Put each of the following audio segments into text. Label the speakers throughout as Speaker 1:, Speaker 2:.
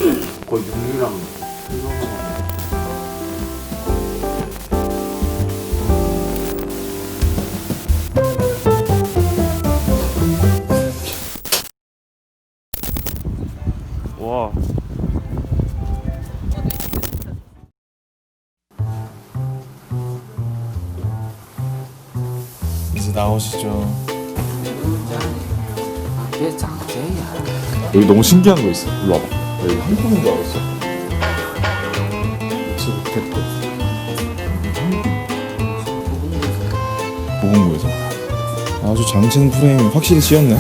Speaker 1: 거의 육류랑 생선만.
Speaker 2: 와.
Speaker 3: 이제 나오시죠.
Speaker 1: 이게 짱제야.
Speaker 3: 여기 너무 신기한 거 있어. 일로 와봐. 나 여기 한국인 줄 알았어. 지금 됐고. 보건구에서. 아주 장첸 프레임 확실히 씌었네.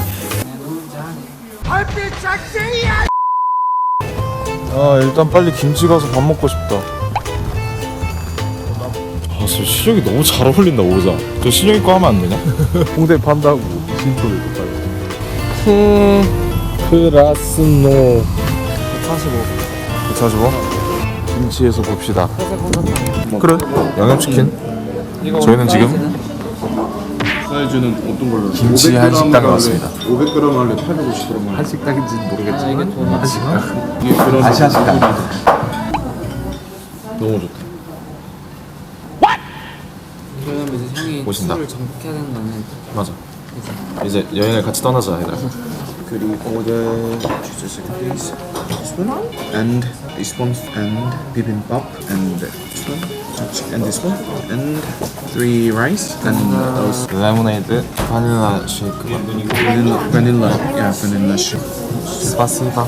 Speaker 3: 아 일단 빨리 김치 가서 밥 먹고 싶다. 아 진짜 신영이 너무 잘 어울린다 오자. 저 신영이 거 하면 안 되냐?
Speaker 2: 홍대 판다고 신촌에도 팔고.
Speaker 3: 크라스노
Speaker 1: 145.
Speaker 3: 145? 김치에서 봅시다. 그래 양념치킨. 저희는 지금
Speaker 2: 사이즈는 어떤 걸로?
Speaker 3: 김치 한식당에 왔습니다.
Speaker 2: 500g 할래? 850g 할래?
Speaker 1: 한식당인지는 모르겠지만 한식당.
Speaker 2: 이게 그런
Speaker 3: 아시아 식당.
Speaker 2: 너무 좋다.
Speaker 1: 그러면 이제 형이
Speaker 3: 오신다.
Speaker 1: 술을 정복해야 되는 거는
Speaker 3: 맞아. 이제 여행을 같이 떠나자 얘들아.
Speaker 4: Could you order just a second, please? This one and this one and bibimbap and this one and this one and 3 rice and those
Speaker 3: 레모네이드 바닐라 쉐이크.
Speaker 4: vanilla yeah vanilla shake.
Speaker 3: 스파시바.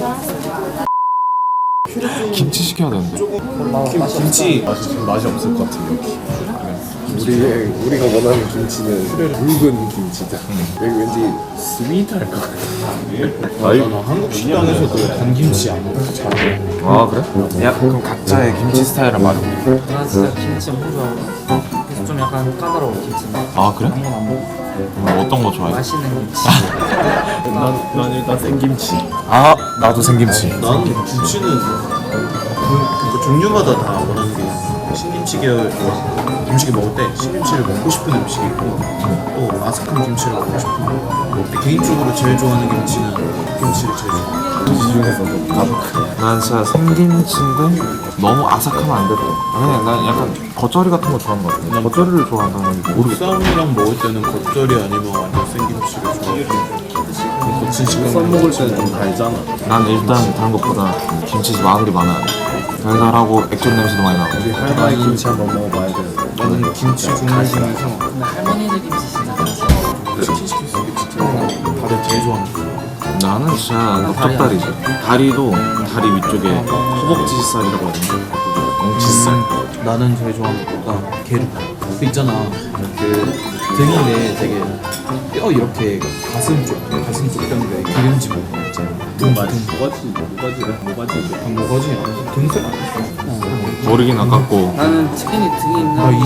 Speaker 3: 김치 시켜야 되는데.
Speaker 4: 김치
Speaker 2: 맛이 없을 것 같은 여기. 우리가 원하는 김치는 붉은 김치다. 여기 왠지 스윗할 것 같아.
Speaker 3: 아이.
Speaker 2: 한국 식당에서도 단김치 안 먹고 잘해.
Speaker 3: 아 그래? 야 그럼 각자의 김치 스타일을 말해.
Speaker 1: 나 진짜 김치 엄청 좋아하고 그래서 좀 약간 까다로워 김치는.
Speaker 3: 아 그래?
Speaker 1: 아무거나 안 먹어.
Speaker 3: 그럼 어떤 거 좋아해?
Speaker 1: 맛있는 김치.
Speaker 2: 난 일단 생김치.
Speaker 3: 아 나도 생김치.
Speaker 4: 나는 김치는 그 종류마다 다 원하는 게 있어. 신김치 계열 음식을 먹을 때 신김치를 먹고 싶은 음식이 있고 또 아삭한 김치를 먹고 싶은 거. 근데 개인적으로 제일 좋아하는 김치는 김치를 제일 좋아해.
Speaker 2: 이 중에서도 가득.
Speaker 3: 난 진짜 생김치인데 너무 아삭하면 안 되더라고. 그냥 난 약간 겉절이 같은 거 좋아하는 것 같아. 겉절이를 좋아한다는 건 모르겠어.
Speaker 4: 쌈이랑 먹을 때는 겉절이 아니면 완전 생김치를 좋아해. 거친 식감
Speaker 2: 쌈 먹을 때는 좀 달잖아.
Speaker 3: 난 일단 다른 것보다 김치 마늘이 많아야 돼. 달달하고 액젓 냄새도 많이 나고.
Speaker 2: 우리 할머니 김치 한번 먹어봐야 되는데.
Speaker 4: 나는 김치 종류 중에서
Speaker 1: 근데 할머니들 김치 진짜 맛있어.
Speaker 4: 치킨 시킬 수 있겠지. 다들 제일 좋아하는 거.
Speaker 3: 나는 진짜 넓적다리지. 다리도 다리 위쪽에 허벅지 살이라고 하던데. 엉치살.
Speaker 4: 나는 제일 좋아하는 거가 게르. 그 있잖아. 그 등인데 되게 뼈 이렇게 가슴 쪽 뼈인데 기름진 거 있잖아. 등 맞은
Speaker 2: 뭐가지?
Speaker 4: 모가지야. 등살 아니야?
Speaker 3: 머리긴 아깝고.
Speaker 1: 나는 치킨이 등이 있나?
Speaker 4: 나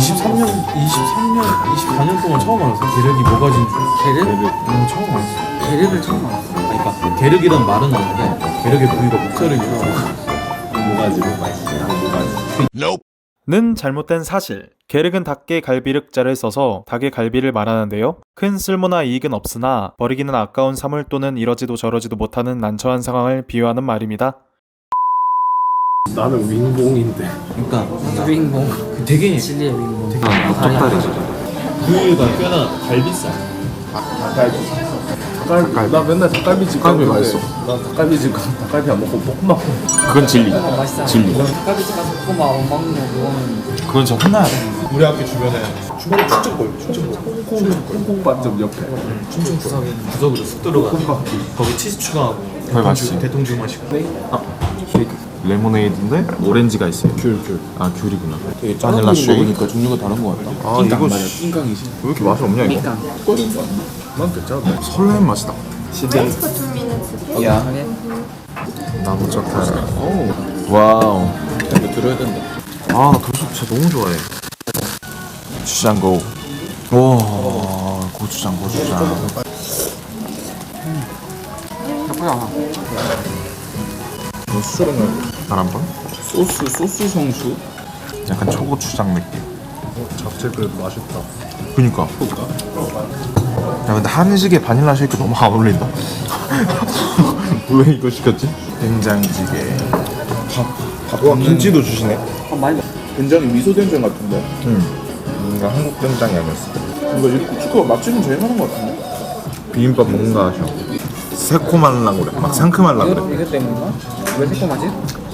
Speaker 4: 24년 동안 처음 알았어. 게르기 모가지인 줄.
Speaker 1: 게르?
Speaker 4: 처음 알았어.
Speaker 1: 게르를 처음 알았어.
Speaker 4: 그러니까 게르기란 말은 아는데 게르기 부위가 목살이고
Speaker 2: 뭐가지?
Speaker 5: 는 잘못된 사실. 게륵은 닭의 갈비륵자를 써서 닭의 갈비를 말하는데요. 큰 쓸모나 이익은 없으나 버리기는 아까운 사물 또는 이러지도 저러지도 못하는 난처한 상황을 비유하는 말입니다.
Speaker 2: 나는 윙봉인데.
Speaker 4: 그러니까
Speaker 1: 윙봉.
Speaker 4: 되게
Speaker 1: 진리의 윙봉.
Speaker 3: 난 넓적다리지.
Speaker 4: 부위가 꽤나 갈비살.
Speaker 2: 나 맨날 닭갈비집
Speaker 3: 닭갈비
Speaker 2: 가는데
Speaker 3: 맛있어.
Speaker 2: 나 닭갈비집 가서 닭갈비 안 먹고 볶음밥
Speaker 3: 그건 진리.
Speaker 1: 맛있잖아.
Speaker 3: 진리.
Speaker 1: 닭갈비집 가서 볶음밥 안 먹는 거 그거는
Speaker 3: 그건 진짜 혼나야 돼.
Speaker 4: 우리 학교 주변에 충청골
Speaker 2: 콩콩밥집 옆에
Speaker 4: 충청 구석으로 쑥 들어가 거기 치즈 추가하고
Speaker 3: 거기 맛있지.
Speaker 4: 대통주 맛이고
Speaker 3: 레모네이드인데 오렌지가 있어요.
Speaker 2: 귤
Speaker 3: 아 귤이구나.
Speaker 4: 되게
Speaker 3: 바닐라 쉐이크.
Speaker 4: 먹으니까 종류가 다른 것 같다.
Speaker 3: 아 이거
Speaker 4: 맞아, 낑깡이지.
Speaker 3: 왜 이렇게 맛이 없냐 이거?
Speaker 1: 그러니까
Speaker 2: 난 괜찮아.
Speaker 3: 설레는 맛이다.
Speaker 4: 야,
Speaker 3: 나무 젓갈. 와우.
Speaker 4: 이거 들어야 된다.
Speaker 3: 아, 나 도수 진짜 너무 좋아해. 고추장고. 와, 고추장. 바람번?
Speaker 4: 소스 성수.
Speaker 3: 약간 초고추장 느낌.
Speaker 2: 잡채 그래도 맛있다.
Speaker 3: 그니까. 야, 근데 한식에 바닐라 쉐이크 너무 안 어울린다. 왜 이거 시켰지? 된장찌개. 와 김치도 주시네.
Speaker 1: 많이
Speaker 2: 된장이 미소 된장 같은데.
Speaker 3: 뭔가 한국 된장이 아니었어.
Speaker 2: 이거 이 고춧가루 맛집은 제일 많은 것 같은데.
Speaker 3: 비빔밥 뭔가 하셔. 새콤하려고 그래. 막 상큼하려고 그래.
Speaker 1: 이것 때문인가? 왜 새콤하지?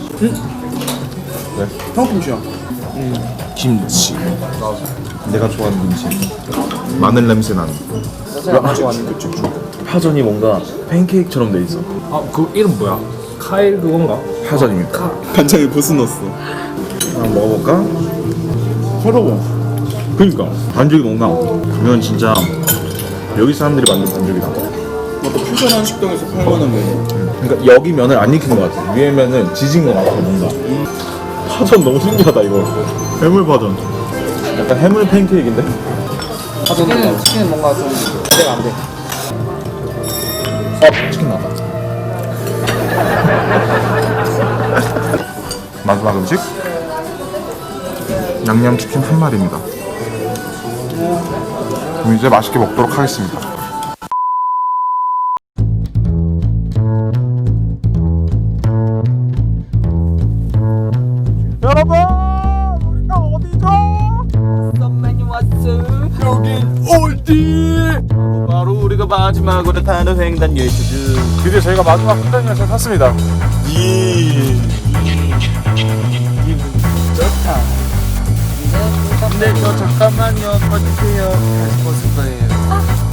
Speaker 2: 한국이야.
Speaker 3: 김치. 내가 좋아하는 김치. 마늘 냄새 나는.
Speaker 1: 안 가져왔는데.
Speaker 3: 파전이 뭔가 팬케이크처럼 돼 있어.
Speaker 2: 그 이름 뭐야? 카일 그건가?
Speaker 3: 파전입니다.
Speaker 2: 간장에 보스 넣었어.
Speaker 3: 한번 먹어볼까?
Speaker 2: 서러워.
Speaker 3: 그니까 반죽이 뭔가 이건 진짜 여기 사람들이 만든 반죽이다.
Speaker 2: 어떤 퓨전한 식당에서 팔만한 메뉴.
Speaker 3: 그러니까 여기 면을 안 익힌 것 같아. 위에 면은 지진 것 같아 뭔가. 파전 너무 신기하다 이거. 해물 파전. 약간 해물 팬케이크인데?
Speaker 1: 치킨은 뭔가 좀 기대가 안 돼.
Speaker 3: 치킨 나왔다. 마지막 음식 양념치킨 한 마리입니다. 그럼 이제 맛있게 먹도록 하겠습니다. 여러분 우리가 어디죠? 여긴 어디?
Speaker 4: 바로 우리가 마지막으로 타는 횡단 열차죠.
Speaker 3: 드디어 저희가 마지막 횡단 열차 탔습니다.
Speaker 4: 근데 저 잠깐만요. 꺼주세요. 다시 벗을 거예요.